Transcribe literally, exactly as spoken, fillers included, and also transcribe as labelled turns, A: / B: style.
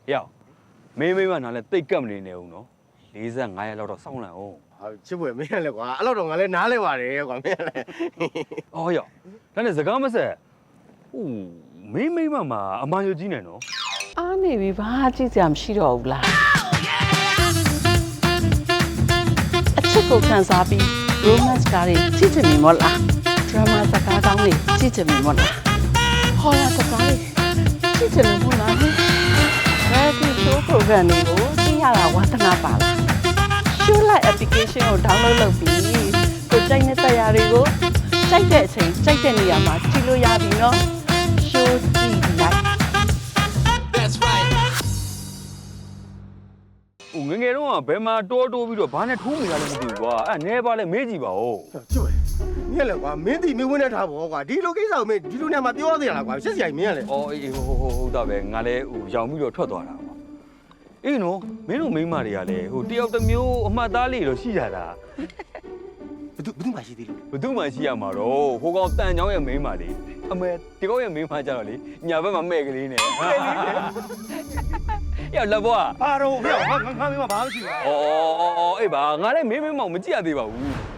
A: ရောက်မင်းမိမနားလဲတိတ်ကပ်မနေနဲ့ဦးနော်၄၅ရက်လောက်တော့စောင့်လိုက်အောင်
B: ဟာချစ်ပွဲမင်းရလဲကွာအဲ့လောက်တော့ငါလည်းနားလဲပါတယ်ကွာမင်းရလဲ
A: အော်ရောက်ဒါနဲ့စကားမဆက်ဟိုမင်းမိမမှာအမှန်ယူကြီးနေနော်
C: အားနေပြီဘာကြည့်စရာမရှိတော့ဘူးလားအချစ်ကိုခံစားပြီး romance ကားတွေကြည့်ချင်ပြီမို့လား drama စကားကောင်းတွေကြည့်ချင်ပြီမို့လား horror စကားတွေကြည့်ချင်တယ်မို့လား reality show program တွေကိုကြည့်ရတာဝါသနာပါလား show like application ကို download လုပ်ပြီးကိုကြိုက်တဲ့တရားတွေကိုကြိုက်တဲ့အချိန်ကြိုက်တဲ့နေရာမှာကြည့်လို့ရပြီနော် show ကြည့်လိုက်
A: ဟိုငငယ်တော့ဘယ်မှာတိုးတိုးပြီးတော့ဘာနဲ့ထိုးမိတာလဲမသိဘူးကွာအဲ့နဲပါလဲမေးကြည့်ပါဦး
B: ချစ်ပွဲမင်းရလဲကွာမင်းတီမင်းဝင်းနဲ့ထားပေါ့ကွာဒီလိုကိစ္စကိုမင်းဒီလိုနေရာမှာပြောရသေးလားကွာရှက်စရာမင်းရလဲ
A: အော်အေးဟိုဟိုဟုတ်တာပဲငါလဲဟိုရောင်ပြီးတော့ထွက်သွားတာကွာအေးနော်မင်းတို့မိန်းမတွေကလည်းဟိုတယောက်တစ်မျိုးအမှတ်သားလေးတော့ရှိကြတာ
B: ဘသူဘသူမှရှိသေးလို့
A: ဘသူမှရှိရမှာတော့ဟိုကောင်တန်ချောင်းရဲ့မိန်းမလေးအမေဒီကောင်ရဲ့မိန်းမကြတော့လေညာဘက်မှာမဲ့ကလေးနဲ့ရောက်လက်ဘွား
B: ဘာတော့မင်းငါငါမင်းမဘာမှမရှိဘူး
A: အော်အော်အော်အေးပါငါလည်းမင်းမင်းမောင်မကြည့်ရသေးပါဘူး